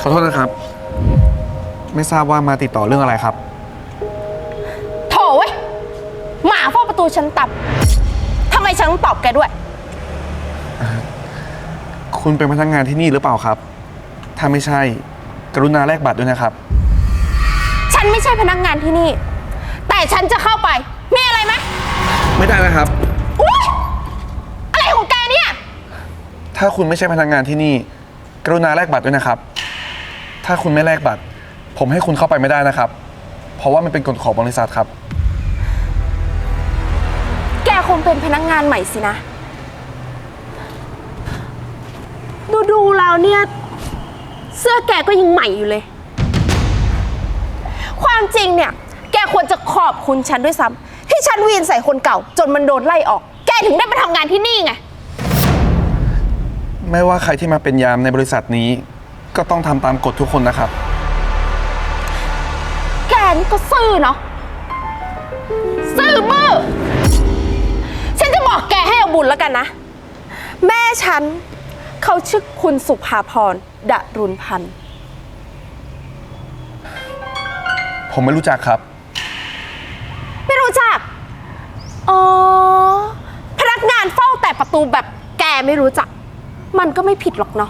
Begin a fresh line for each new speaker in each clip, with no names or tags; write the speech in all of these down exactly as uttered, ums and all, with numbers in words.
ขอโทษนะครับไม่ทราบว่ามาติดต่อเรื่องอะไรครับ
โถ่เว้ยหมาเฝ้าประตูฉันตับทำไมฉันต้องตอบแกด้วย
คุณเป็นพนักงานที่นี่หรือเปล่าครับถ้าไม่ใช่กรุณาแลกบัตรด้วยนะครับ
ฉันไม่ใช่พนักงานที่นี่แต่ฉันจะเข้าไปมีอะไรไหม
ไม่ได้นะครับ
อุ๊ยอะไรของแกเนี่ย
ถ้าคุณไม่ใช่พนักงานที่นี่กรุณาแลกบัตรด้วยนะครับถ้าคุณไม่แลกบัตรผมให้คุณเข้าไปไม่ได้นะครับเพราะว่ามันเป็นกฎของบริษัทครับ
แกคงเป็นพนักงานใหม่สินะดูดูแล้วเนี่ยเสื้อแกก็ยังใหม่อยู่เลยความจริงเนี่ยแกควรจะขอบคุณฉันด้วยซ้ำที่ฉันวีนใส่คนเก่าจนมันโดนไล่ออกแกถึงได้มาทำงานที่นี่ไง
ไม่ว่าใครที่มาเป็นยามในบริษัทนี้ก็ต้องทำตามกฎทุกคนนะครับ
แกนี่ก็ซื่อเนาะซื่อบื้อฉันจะบอกแกให้เอาบุญแล้วกันนะแม่ฉันเขาชื่อคุณสุภาพรดรุณพันธ์
ผมไม่รู้จักครับ
ไม่รู้จักอ๋อพนักงานเฝ้าแต่ประตูแบบแกไม่รู้จักมันก็ไม่ผิดหรอกเนาะ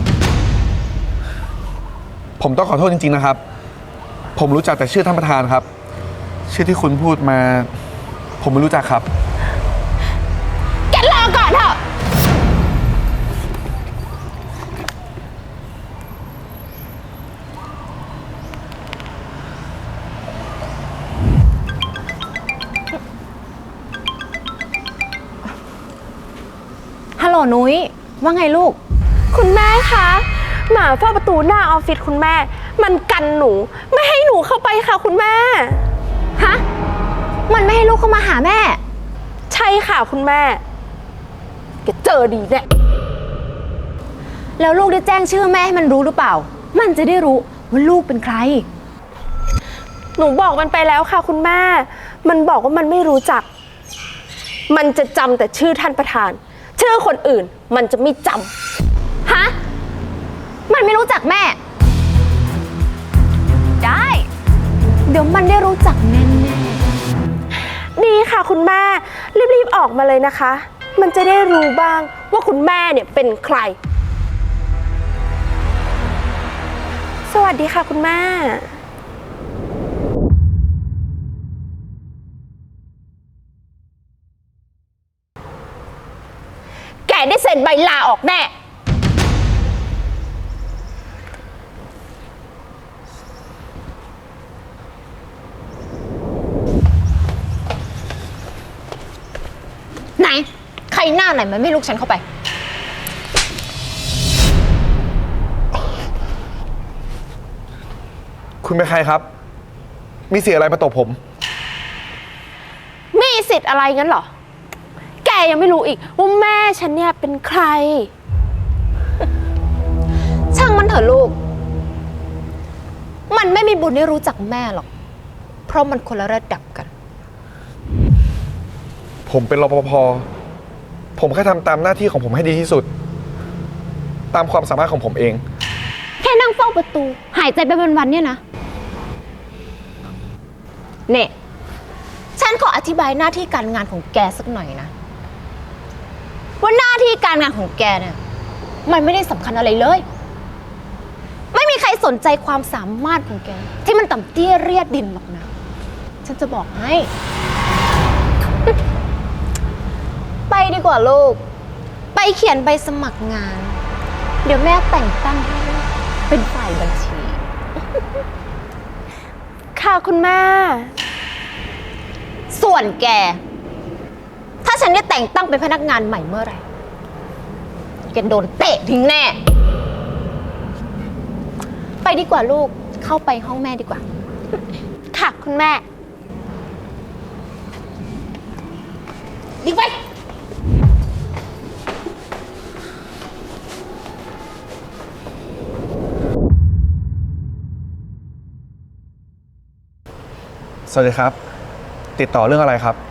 ผมต้องขอโทษจริงๆนะครับผมรู้จักแต่ชื่อท่านประธานครับชื่อที่คุณพูดมาผมไม่รู้จักครับ
แกรอก่อนเถอะ
ฮัลโหลนุ้ยว่าไงลูก
คุณแม่คะหมาเฝ้าประตูหน้าออฟฟิศคุณแม่มันกันหนูไม่ให้หนูเข้าไปค่ะคุณแม่
ฮะมันไม่ให้ลูกเข้ามาหาแม่
ใช่ค่ะคุณแม่แกเจอดีแน่
แล้วลูกได้แจ้งชื่อแม่ให้มันรู้หรือเปล่ามันจะได้รู้ว่าลูกเป็นใคร
หนูบอกมันไปแล้วค่ะคุณแม่มันบอกว่ามันไม่รู้จักมันจะจำแต่ชื่อท่านประธานชื่อคนอื่นมันจะไม่จำ
ฮะมันไม่รู้จักแม่ได้เดี๋ยวมันได้รู้จักแน่
ๆดีค่ะคุณแม่รีบๆออกมาเลยนะคะมันจะได้รู้บ้างว่าคุณแม่เนี่ยเป็นใครสวัสดีค่ะคุณแม่แกได้เซ็นใบลาออกแน่
ไหนใครหน้าไหนมันไม่ลูกฉันเข้าไป
คุณเป็นใครครับมีสิทธิ์อะไรมาตบผม
มีสิทธิ์อะไรงั้นเหรอแกยังไม่รู้อีกว่าแม่ฉันเนี่ยเป็นใคร
ช่างมันเถอะลูกมันไม่มีบุญได้รู้จักแม่หรอกเพราะมันคนละระดับกัน
ผมเป็นรปภผมแค่ทำตามหน้าที่ของผมให้ดีที่สุดตามความสามารถของผมเอง
แค่นั่งเฝ้าประตูหายใจไปวันๆเนี่ยนะเนี่ยฉันขออธิบายหน้าที่การงานของแกสักหน่อยนะว่าหน้าที่การงานของแกเนี่ยมันไม่ได้สำคัญอะไรเลยไม่มีใครสนใจความสามารถของแกที่มันต่ำเตี้ยเรียดดินหรอกนะฉันจะบอกให้ไปดีกว่าลูกไปเขียนใบสมัครงานเดี๋ยวแม่แต่งตั้งให้เป็นฝ่ายบัญชี
ค่ะคุณแม่
ส่วนแกถ้าฉันได้แต่งตั้งเป็นพนักงานใหม่เมื่อไหร่แกโดนเตะทิ้งแน่ไปดีกว่าลูกเข้าไปห้องแม่ดีกว่า
ค่ะคุณแม่ดีไป
สวัสดีครับติดต่อเรื่องอะไรครับ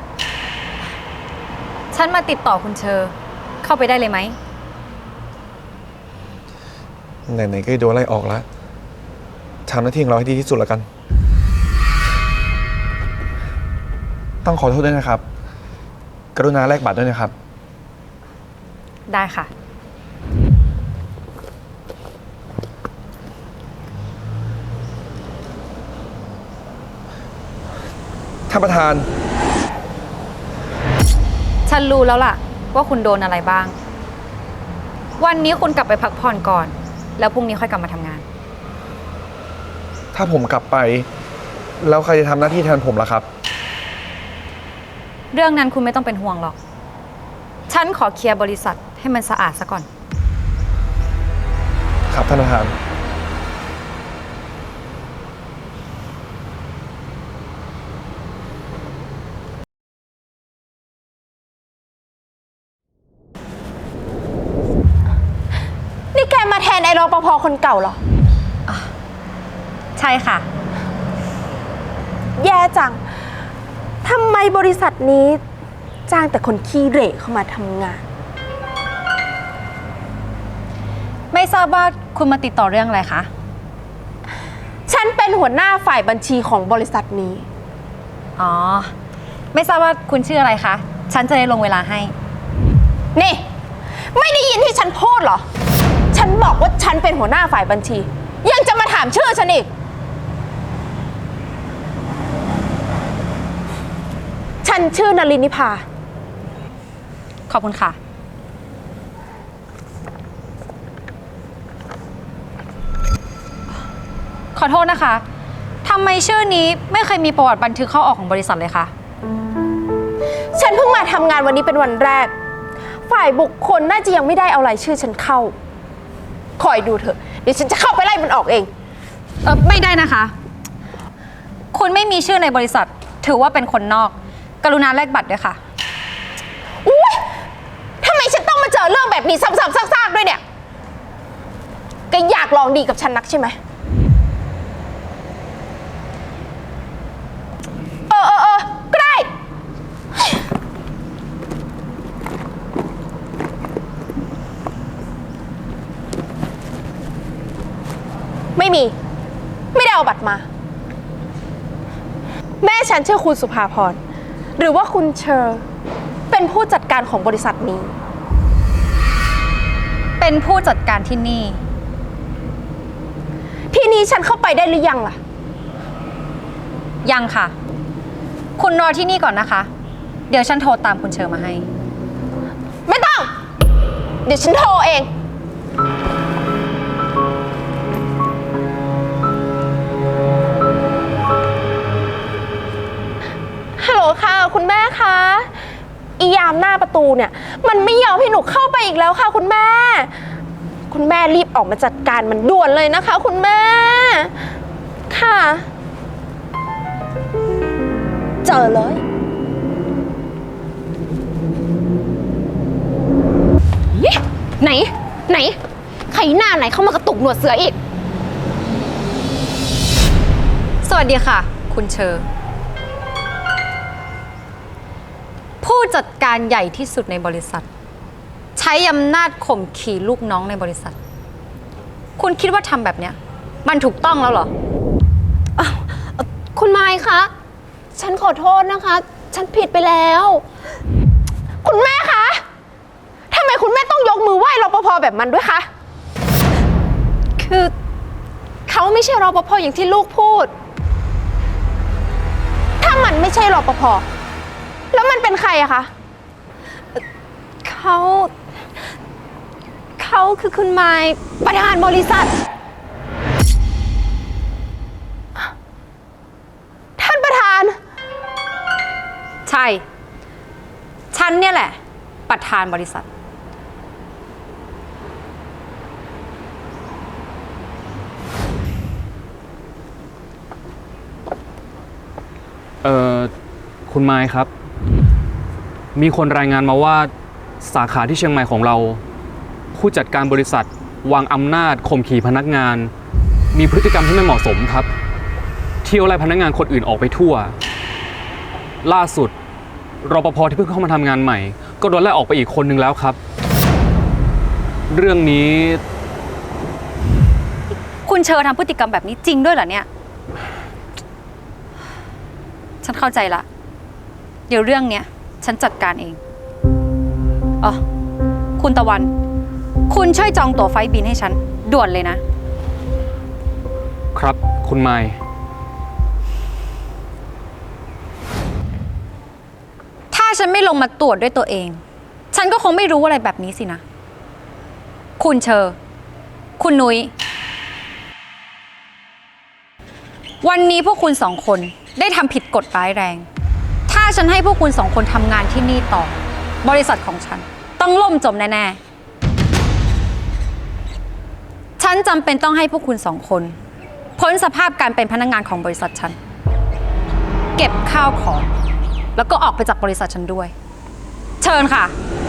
ฉันมาติดต่อคุณเชอเข้าไปได้เลยไหม
ไหนๆก็โดนไล่ออกแล้วทำหน้าที่ของเราให้ดีที่สุดแล้วกัน ต้องขอโทษด้วยนะครับ กรุณาแลกบัตรด้วยนะครับ
ได้ค่ะ
ท่านประธาน
ฉันรู้แล้วล่ะ ว่าคุณโดนอะไรบ้าง วันนี้คุณกลับไปพักผ่อนก่อน แล้วพรุ่งนี้ค่อยกลับมาทำงาน
ถ้าผมกลับไป แล้วใครจะทำหน้าที่แทนผมล่ะครับ
เรื่องนั้นคุณไม่ต้องเป็นห่วงหรอก ฉันขอเคลียร์บริษัทให้มันสะอาดซะก่อน
ครับท่านประธาน
นี่แกมาแทนไอ้รปภคนเก่าเหรอ
ใช่ค่ะ
แย่จัง ทำไมบริษัทนี้จ้างแต่คนขี้เหร่เข้ามาทำงาน
ไม่ทราบว่าคุณมาติดต่อเรื่องอะไรคะ
ฉันเป็นหัวหน้าฝ่ายบัญชีของบริษัทนี้
อ๋อ ไม่ทราบว่าคุณชื่ออะไรคะ ฉันจะได้ลงเวลาให้
นี่ ไม่ได้ยินที่ฉันพูดเหรอ ฉันบอกว่าฉันเป็นหัวหน้าฝ่ายบัญชี ยังจะมาถามชื่อฉันอีก ฉันชื่อนลินนิพา
ขอบคุณค่ะ ขอโทษนะคะทำไมชื่อนี้ไม่เคยมีประวัติบันทึกเข้าออกของบริษัทเลยคะ
ฉันเพิ่งมาทำงานวันนี้เป็นวันแรก ฝ่ายบุคคลน่าจะยังไม่ได้เอารายชื่อฉันเข้า คอยดูเถอะ เดี๋ยวฉันจะเข้าไปไล่มันออกเอง
เออไม่ได้นะคะ คุณไม่มีชื่อในบริษัท ถือว่าเป็นคนนอก กรุณาแลกบัตรด้วยค่ะ
อุ๊ยทำไมฉันต้องมาเจอเรื่องแบบนี้ซ้ำๆซากๆด้วยเนี่ยแกอยากลองดีกับฉันนักใช่ไหม เออเออเออก็ได้ ไม่มี ไม่ได้เอาบัตรมา แม่ฉันชื่อคุณสุภาพร หรือว่าคุณเชอร์เป็นผู้จัดการของบริษัทนี้
เป็นผู้จัดการที่นี่
ที่นี้ฉันเข้าไปได้หรือยังล่ะ
ยังค่ะ คุณรอที่นี่ก่อนนะคะ เดี๋ยวฉันโทรตามคุณเชอร์มาให้
ไม่ต้อง เดี๋ยวฉันโทรเอง ฮัลโหลค่ะ คุณแม่คะอียามหน้าประตูเนี่ย มันไม่ยอมให้หนูเข้าไปอีกแล้วค่ะ คุณแม่ คุณแม่รีบออกมาจัดการมันด่วนเลยนะคะ คุณแม่ ค่ะ เจอเลย
ไหน ไหน ใครหน้าไหนเข้ามากระตุกหนวดเสืออีก
สวัสดีค่ะ คุณเชอร์ ผู้จัดการใหญ่ที่สุดในบริษัท ใช้อำนาจข่มขี่ลูกน้องในบริษัท คุณคิดว่าทำแบบเนี้ยมันถูกต้องแล้วเหรอ
คุณไมค์คะ ฉันขอโทษนะคะ ฉันผิดไปแล้ว
คุณแม่คะทำไมคุณแม่ต้องยกมือไหว้รปภแบบมันด้วยคะ
คือเขาไม่ใช่รปภอย่างที่ลูกพูด
ถ้ามันไม่ใช่รปภ แล้วมันเป็นใครอะคะ
เขา เขาคือคุณไมค์ประธานบริษัท
ท่านประธาน
ใช่ ฉันเนี่ยแหละ ประธานบริษัท
เอ่อ คุณไมค์ครับ มีคนรายงานมาว่าสาขาที่เชียงใหม่ของเรา ผู้จัดการบริษัทวางอำนาจข่มขี่พนักงาน มีพฤติกรรมที่ไม่เหมาะสมครับ เที่ยวไล่พนักงานคนอื่นออกไปทั่ว ล่าสุดรปภที่เพิ่งเข้ามาทำงานใหม่ ก็โดนไล่ออกไปอีกคนนึงแล้วครับ เรื่องนี้
คุณคุณเชอทำพฤติกรรมแบบนี้จริงด้วยเหรอเนี่ย ฉันเข้าใจละ เดี๋ยวเรื่องเนี้ยฉันจัดการเองอ๋อคุณตะวัน คุณช่วยจองตั๋วไฟล์บินให้ฉัน ด่วนเลยนะ
ครับ คุณไมค์
ถ้าฉันไม่ลงมาตรวจด้วยตัวเอง ฉันก็คงไม่รู้อะไรแบบนี้สินะ คุณเชอ คุณนุ้ย วันนี้พวกคุณสองคนได้ทำผิดกฎร้ายแรง ถ้าฉันให้พวกคุณสองคนทำงานที่นี่ต่อ บริษัทของฉัน ต้องล่มจมแน่ๆ ฉันจำเป็นต้องให้พวกคุณสองคน พ้นสภาพการเป็นพนักงานของบริษัทฉัน เก็บข้าวของ แล้วก็ออกไปจากบริษัทฉันด้วย เชิญค่ะ